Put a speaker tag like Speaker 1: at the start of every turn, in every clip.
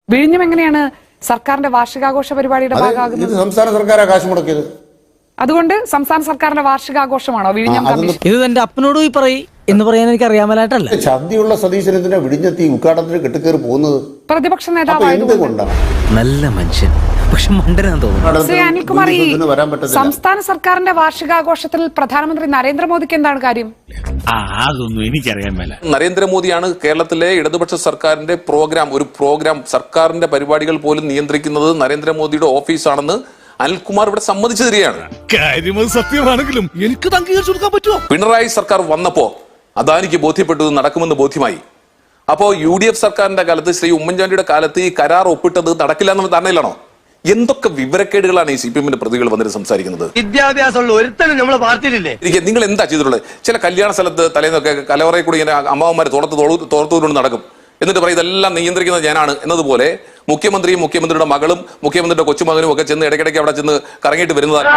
Speaker 1: വിഴിഞ്ഞം എങ്ങനെയാണ് സർക്കാരിന്റെ വാർഷികാഘോഷ പരിപാടിയുടെ ഭാഗമാകുന്നത്?
Speaker 2: സംസ്ഥാന സർക്കാർ കാശ് മുടക്കിയത്.
Speaker 1: അതുകൊണ്ട് സംസ്ഥാന സർക്കാരിന്റെ വാർഷികാഘോഷമാണോ വിഴിഞ്ഞം കമ്മീഷൻ?
Speaker 3: ഇത് എന്റെ അപ്പനോട് പോയി പറയും എന്ന് പറയാൻ എനിക്ക് അറിയാമലായിട്ടല്ല.
Speaker 2: ഛർദിയുള്ള സതീശനെന്തിനാ വിഴിഞ്ഞത്തി ഉദ്ഘാടനത്തിന് കെട്ടിക്കേറി പോകുന്നത്?
Speaker 1: പ്രതിപക്ഷ നേതാവായതുകൊണ്ട്.
Speaker 3: നല്ല മനുഷ്യൻ, പക്ഷെ മണ്ടനാന്ന് തോന്നുന്നു.
Speaker 1: ശ്രീ അനിൽകുമാർ, ഈ സംസ്ഥാന സർക്കാരിന്റെ വാർഷികാഘോഷത്തിൽ പ്രധാനമന്ത്രി നരേന്ദ്രമോദിക്ക് എന്താണ് കാര്യം?
Speaker 4: അതൊന്നും എനിക്കറിയാൻ മേല.
Speaker 5: നരേന്ദ്രമോദിയാണ് കേരളത്തിലെ ഇടതുപക്ഷ സർക്കാരിന്റെ പ്രോഗ്രാം സർക്കാരിന്റെ പരിപാടികൾ പോലും നിയന്ത്രിക്കുന്നത് നരേന്ദ്രമോദിയുടെ ഓഫീസാണെന്ന് അനിൽകുമാർ ഇവിടെ സമ്മതിച്ചു തരികയാണ്.
Speaker 4: കാര്യം സത്യമാണെങ്കിലും എനിക്ക് അംഗീകരിച്ചു കൊടുക്കാൻ പറ്റുമോ?
Speaker 5: പിണറായി സർക്കാർ വന്നപ്പോ അദാനിക്ക് ബോധ്യപ്പെട്ടത് നടക്കുമെന്ന് ബോധ്യമായി. അപ്പോ UDF സർക്കാരിന്റെ കാലത്ത്, ശ്രീ ഉമ്മൻചാണ്ടിയുടെ കാലത്ത് ഈ കരാർ ഒപ്പിട്ടത് നടക്കില്ല എന്നുള്ള ധാരണയിലാണോ? എന്തൊക്കെ വിവരക്കേടുകളാണ് ഈ CPM-ന്റെ പ്രതികൾ വന്നിട്ട് സംസാരിക്കുന്നത്?
Speaker 6: വിദ്യാഭ്യാസമുള്ള ഒരുത്തനും നമ്മളെ പാർട്ടിയിലില്ലേ?
Speaker 5: നിങ്ങൾ എന്താ ചെയ്തിട്ടുള്ളത്? ചില കല്യാണ സ്ഥലത്ത് തലേന്നൊക്കെ കലവറയിൽ കൂടി ഇങ്ങനെ അമ്മാവന്മാർ തോർത്തുകൊണ്ട് നടക്കും. എന്നിട്ട് പറയും ഇതെല്ലാം നിയന്ത്രിക്കുന്നത് ഞാനാണ് എന്നതുപോലെ മുഖ്യമന്ത്രിയും മുഖ്യമന്ത്രിയുടെ മകളും മുഖ്യമന്ത്രിയുടെ കൊച്ചുമകനും ഒക്കെ ചെന്ന് ഇടയ്ക്കിടയ്ക്ക് അവിടെ ചെന്ന് കറങ്ങിയിട്ട് വരുന്നതാണ്.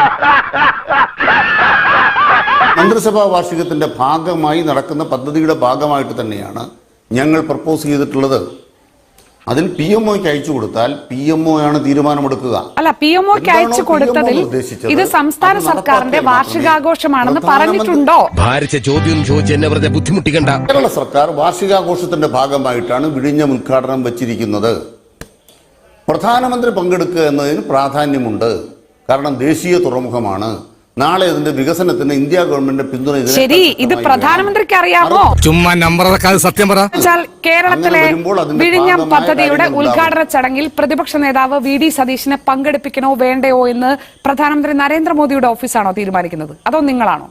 Speaker 2: മന്ത്രിസഭാ വാർഷികത്തിന്റെ ഭാഗമായി നടക്കുന്ന പദ്ധതിയുടെ ഭാഗമായിട്ട് തന്നെയാണ് ഞങ്ങൾ പ്രപ്പോസ് ചെയ്തിട്ടുള്ളത്. അതിൽ PMOയ്ക്ക് അയച്ചു കൊടുത്താൽ PMO ആണ് തീരുമാനമെടുക്കുക.
Speaker 1: അല്ല, PMOയ്ക്ക് അയച്ചു കൊടുത്തതിൽ ഇത് സംസ്ഥാന സർക്കാരിന്റെ വാർഷികാഘോഷമാണെന്ന് പറഞ്ഞിട്ടുണ്ടോ?
Speaker 7: ഭാരിച്ച ചോദ്യം ചോദിച്ച് എന്നെ വെറുതെ ബുദ്ധിമുട്ടിക്കണ്ട.
Speaker 2: കേരള സർക്കാർ വാർഷികാഘോഷത്തിന്റെ ഭാഗമായിട്ടാണ് വിഴിഞ്ഞം ഉദ്ഘാടനം വെച്ചിരിക്കുന്നത്. പ്രധാനമന്ത്രി പങ്കെടുക്കുക എന്നതിന് പ്രാധാന്യമുണ്ട്. കാരണം ദേശീയ തുറമുഖമാണ്. നാളെ ഇതിന്റെ വികസനത്തിന് ഇന്ത്യ ഗവൺമെന്റ് പിന്തുണ.
Speaker 1: ശരി, ഇത് പ്രധാനമന്ത്രിക്ക് അറിയാമോ?
Speaker 4: ചുമ്മാ നമ്പർ സത്യം പറ.
Speaker 1: കേരളത്തിലെ വിഴിഞ്ഞം പദ്ധതിയുടെ ഉദ്ഘാടന ചടങ്ങിൽ പ്രതിപക്ഷ നേതാവ് VD സതീശനെ പങ്കെടുപ്പിക്കണോ വേണ്ടയോ എന്ന് പ്രധാനമന്ത്രി നരേന്ദ്രമോദിയുടെ ഓഫീസാണോ തീരുമാനിക്കുന്നത്, അതോ നിങ്ങളാണോ?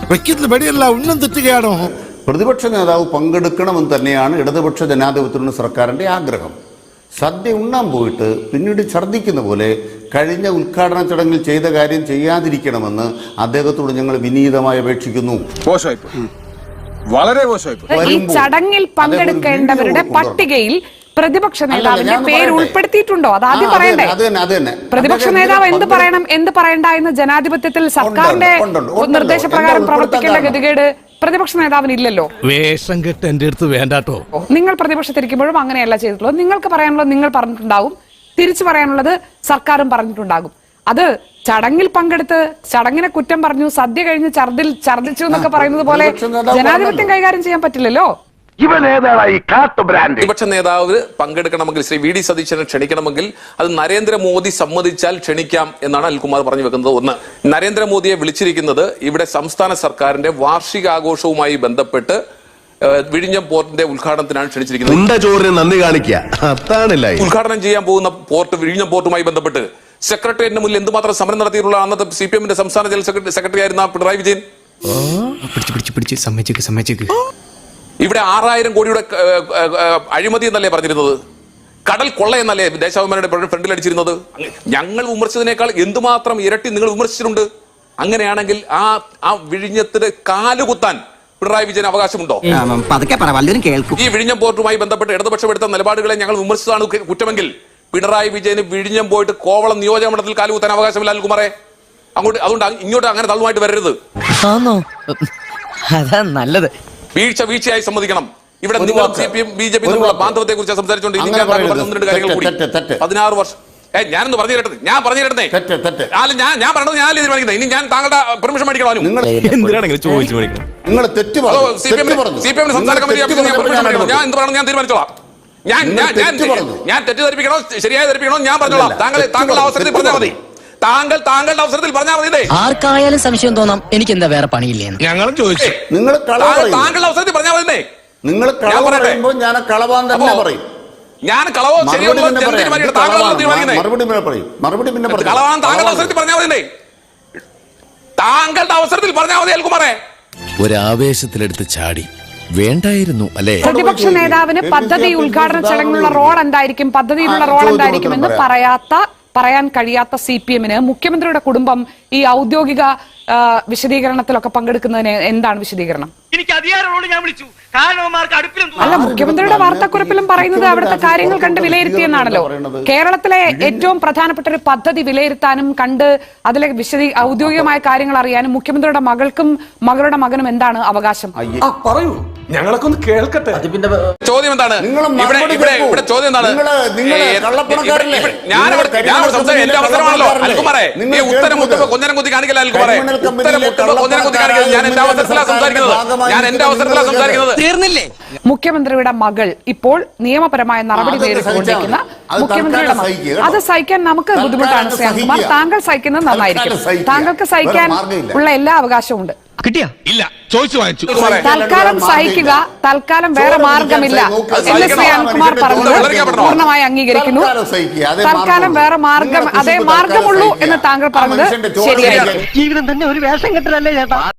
Speaker 2: പ്രതിപക്ഷ നേതാവ് പങ്കെടുക്കണമെന്ന് തന്നെയാണ് ഇടതുപക്ഷ ജനാധിപത്യ സർക്കാരിന്റെ ആഗ്രഹം. സദ്യ ഉണ്ണാൻ പോയിട്ട് പിന്നീട് ഛർദ്ദിക്കുന്ന പോലെ കഴിഞ്ഞ ഉദ്ഘാടന ചടങ്ങിൽ ചെയ്ത കാര്യം ചെയ്യാതിരിക്കണമെന്ന് അദ്ദേഹത്തോട് ഞങ്ങൾ വിനീതമായി അപേക്ഷിക്കുന്നു.
Speaker 4: വളരെ
Speaker 1: ഈ ചടങ്ങിൽ പങ്കെടുക്കേണ്ടവരുടെ പട്ടികയിൽ പ്രതിപക്ഷ നേതാവിന്റെ പേര് ഉൾപ്പെടുത്തിയിട്ടുണ്ടോ? അത് ആദ്യം പറയണ്ടേ. പ്രതിപക്ഷ നേതാവ് എന്ത് പറയണം എന്ത് പറയണ്ട എന്ന് ജനാധിപത്യത്തിൽ സർക്കാരിന്റെ നിർദ്ദേശപ്രകാരം പ്രവർത്തിക്കേണ്ട ഗതികേട് പ്രതിപക്ഷ നേതാവിന് ഇല്ലല്ലോ.
Speaker 4: വേഷം കെട്ട് എന്റെ അടുത്ത് വേണ്ടാട്ടോ.
Speaker 1: നിങ്ങൾ പ്രതിപക്ഷത്തിരിക്കുമ്പോഴും അങ്ങനെയല്ല ചെയ്തിട്ടുള്ളത്. നിങ്ങൾക്ക് പറയാനുള്ളത് നിങ്ങൾ പറഞ്ഞിട്ടുണ്ടാവും, തിരിച്ചു പറയാനുള്ളത് സർക്കാരും പറഞ്ഞിട്ടുണ്ടാകും. അത് ചടങ്ങിൽ പങ്കെടുത്ത് ചടങ്ങിനെ കുറ്റം പറഞ്ഞു, സദ്യ കഴിഞ്ഞ് ഛർദിച്ചു എന്നൊക്കെ പറയുന്നത് പോലെ ജനാധിപത്യം കൈകാര്യം ചെയ്യാൻ പറ്റില്ലല്ലോ.
Speaker 5: പ്രതിപക്ഷ നേതാവ് പങ്കെടുക്കണമെങ്കിൽ, ശ്രീ VD സതീശനെ ക്ഷണിക്കണമെങ്കിൽ അത് നരേന്ദ്രമോദി സമ്മതിച്ചാൽ ക്ഷണിക്കാം എന്നാണ് അനിൽകുമാർ പറഞ്ഞു വെക്കുന്നത്. ഒന്ന്, നരേന്ദ്രമോദിയെ വിളിച്ചിരിക്കുന്നത് ഇവിടെ സംസ്ഥാന സർക്കാരിന്റെ വാർഷികാഘോഷവുമായി ബന്ധപ്പെട്ട് വിഴിഞ്ഞം പോർട്ടിന്റെ ഉദ്ഘാടനത്തിനാണ് ക്ഷണിച്ചിരിക്കുന്നത്. ഉദ്ഘാടനം ചെയ്യാൻ പോകുന്ന പോർട്ട്, വിഴിഞ്ഞം പോർട്ടുമായി ബന്ധപ്പെട്ട് സെക്രട്ടേറിയറ്റിന് മുന്നിൽ എന്തുമാത്രം സമരം നടത്തിയിട്ടുള്ള അന്നത്തെ CPM-ന്റെ സംസ്ഥാന ജനറൽ സെക്രട്ടറി ആയിരുന്ന പിണറായി വിജയൻ. ഇവിടെ 6000 കോടിയുടെ അഴിമതി എന്നല്ലേ പറഞ്ഞിരുന്നത്? കടൽ കൊള്ള എന്നല്ലേ ദേശാഭിമാനിയുടെ ഫ്രണ്ടിൽ അടിച്ചിരുന്നത്? ഞങ്ങൾ വിമർശിച്ചതിനേക്കാൾ എന്തുമാത്രം ഇരട്ടി നിങ്ങൾ വിമർശിച്ചിട്ടുണ്ട്. അങ്ങനെയാണെങ്കിൽ ആ വിഴിഞ്ഞത്തിന് കാലുകുത്താൻ പിണറായി വിജയൻ അവകാശമുണ്ടോ? ഈ വിഴിഞ്ഞം പോർട്ടുമായി ബന്ധപ്പെട്ട് ഇടതുപക്ഷം എടുത്ത നിലപാടുകളെ ഞങ്ങൾ വിമർശിച്ചതാണ് കുറ്റമെങ്കിൽ പിണറായി വിജയന് വിഴിഞ്ഞം പോയിട്ട് കോവളം നിയോജക മണ്ഡലത്തിൽ കാലുകുത്താൻ അവകാശമില്ല അനിൽകുമാറെ. അതുകൊണ്ട് ഇങ്ങോട്ട് അങ്ങനെ തള്ളുമായിട്ട് വരരുത്.
Speaker 3: അതാ നല്ലത്.
Speaker 5: വീഴ്ചയായി സമ്മതിക്കണം. ഇവിടെ നിങ്ങൾ CPM BJP തമ്മിലുള്ള ബാന്ധവത്തെ കുറിച്ച് സംസാരിച്ചുകൊണ്ട് 16 വർഷം ഞാനൊന്ന് പറഞ്ഞു കേട്ടത്. ഞാൻ പറഞ്ഞു കേട്ടേ ഞാൻ പറഞ്ഞത് ഞാൻ തീരുമാനിക്കുന്നത്. ഇനി ഞാൻ താങ്കളുടെ പെർമിഷൻ മേടിക്കണോ? CPM സംസ്ഥാന കമ്മിറ്റി ഞാൻ എന്ത് പറയണം ഞാൻ തീരുമാനിച്ചോളാം. ഞാൻ തെറ്റിദ്ധരിപ്പിക്കണോ ശരിയായി ധരിപ്പിക്കണോ ഞാൻ പറഞ്ഞോളാം. താങ്കളുടെ അവസരത്തിൽ പറഞ്ഞാൽ മതി. താങ്കളുടെ അവസരത്തിൽ പറഞ്ഞാൽ മതി.
Speaker 3: ആർക്കായാലും സംശയം തോന്നാം എനിക്ക് എന്താ വേറെ പണിയില്ലേന്ന്.
Speaker 4: ഞങ്ങളും ചോദിച്ചു.
Speaker 5: താങ്കളുടെ അവസരത്തിൽ പറഞ്ഞാൽ മതി.
Speaker 2: നിങ്ങൾ ഞാൻ കളവാൻ തന്നെ പറയും.
Speaker 5: ഞാൻ കളവോ ശരിയോ കളവാൻ താങ്കളുടെ അവസരത്തിൽ പറഞ്ഞാൽ മതി. താങ്കളുടെ അവസരത്തിൽ പറഞ്ഞാൽ മതി അനിൽകുമാറെ.
Speaker 7: ഒരാവേശത്തിലെടുത്ത് ചാടി വേണ്ടായിരുന്നു അല്ലേ?
Speaker 1: പ്രതിപക്ഷ നേതാവിന് പദ്ധതി ഉദ്ഘാടന ചടങ്ങിലുള്ള റോൾ എന്തായിരിക്കും, പദ്ധതിയിലുള്ള റോൾ എന്തായിരിക്കും എന്ന് പറയാൻ കഴിയാത്ത CPM-ന് മുഖ്യമന്ത്രിയുടെ കുടുംബം ഈ ഔദ്യോഗിക വിശദീകരണത്തിലൊക്കെ പങ്കെടുക്കുന്നതിന് എന്താണ് വിശദീകരണം? അല്ല, മുഖ്യമന്ത്രിയുടെ വാർത്താക്കുറിപ്പിലും പറയുന്നത് അവിടുത്തെ കാര്യങ്ങൾ കണ്ട് വിലയിരുത്തിയെന്നാണല്ലോ. കേരളത്തിലെ ഏറ്റവും പ്രധാനപ്പെട്ട ഒരു പദ്ധതി വിലയിരുത്താനും കണ്ട് അതിലെ ഔദ്യോഗികമായ കാര്യങ്ങൾ അറിയാനും മുഖ്യമന്ത്രിയുടെ മകൾക്കും മകളുടെ മകനും എന്താണ് അവകാശം?
Speaker 8: പറയൂ.
Speaker 4: ഞങ്ങളൊക്കെ ഒന്ന് കേൾക്കട്ടെ.
Speaker 5: ചോദ്യം എന്താണ്?
Speaker 2: നിങ്ങൾ
Speaker 5: ഇവിടെ
Speaker 2: മറുപടി
Speaker 5: ഇവിടെ
Speaker 2: കേൾക്കൂ.
Speaker 5: ഇവിടെ ചോദ്യം എന്താണ്?
Speaker 2: നിങ്ങള് കള്ളപ്പണക്കാരല്ലേ?
Speaker 5: ഞാൻ സംസാരിക്കും, എന്റെ അവസരമാണല്ലോ അൽകുമാറേ.
Speaker 2: നിങ്ങൾ
Speaker 5: ഈ ഉത്തരം മുട്ടുമ്പോ
Speaker 2: കേൾക്കുന്നത്
Speaker 5: കൊഞ്ഞനം കുത്തി കാണിക്കല അൽകുമാറേ.
Speaker 2: കരിമണൽ
Speaker 5: ഉത്തരം
Speaker 2: കമ്പനിയിലെ
Speaker 5: മുട്ടുമ്പോ കൊഞ്ഞനം കുത്തി കാണിക്കല. ഞാൻ എന്റെ അവസരത്തിലാണ് സംസാരിക്കുന്നത്. ഞാൻ എന്റെ അവസരത്തിലാണ് സംസാരിക്കുന്നത്.
Speaker 3: തീർന്നില്ലേ?
Speaker 1: മുഖ്യമന്ത്രിയുടെ മകൾ ഇപ്പോൾ നിയമപരമായ നടപടി
Speaker 2: അതൊക്കെ
Speaker 1: നേരിട്ടുകൊണ്ടിരിക്കുന്ന
Speaker 2: അത്
Speaker 1: മുഖ്യമന്ത്രിയുടെ
Speaker 2: തൽക്കാലം
Speaker 1: മകൾ.
Speaker 2: സഹിക്കുക.
Speaker 1: അത് സഹിക്കാൻ നമുക്ക്
Speaker 2: തൽക്കാലം
Speaker 1: ബുദ്ധിമുട്ടാണ് ശ്രീകുമാർ.
Speaker 2: സഹിക്കുക.
Speaker 1: താങ്കൾ സഹിക്കുന്നത് നന്നായിരിക്കും.
Speaker 2: തൽക്കാലം സഹിക്കുക.
Speaker 1: താങ്കൾക്ക് സഹിക്കാൻ
Speaker 2: വേറെ മാർഗ്ഗമില്ല.
Speaker 1: ഉള്ള എല്ലാ അവകാശവും ഉണ്ട്.
Speaker 3: കിട്ടിയാ?
Speaker 4: ഇല്ല, ചോദിച്ചു വാങ്ങിച്ചു.
Speaker 1: തൽക്കാലം സഹിക്കുക, തൽക്കാലം വേറെ മാർഗമില്ല എന്ന് ശ്രീ അനിൽകുമാർ പറഞ്ഞത് പൂർണ്ണമായി അംഗീകരിക്കുന്നു. തൽക്കാലം വേറെ മാർഗം, അതേ മാർഗമുള്ളൂ എന്ന് താങ്കൾ പറഞ്ഞത് ശരിയായിരിക്കും.
Speaker 6: ജീവിതം തന്നെ ഒരു വേഷം കെട്ടലല്ലേ ചേട്ടാ.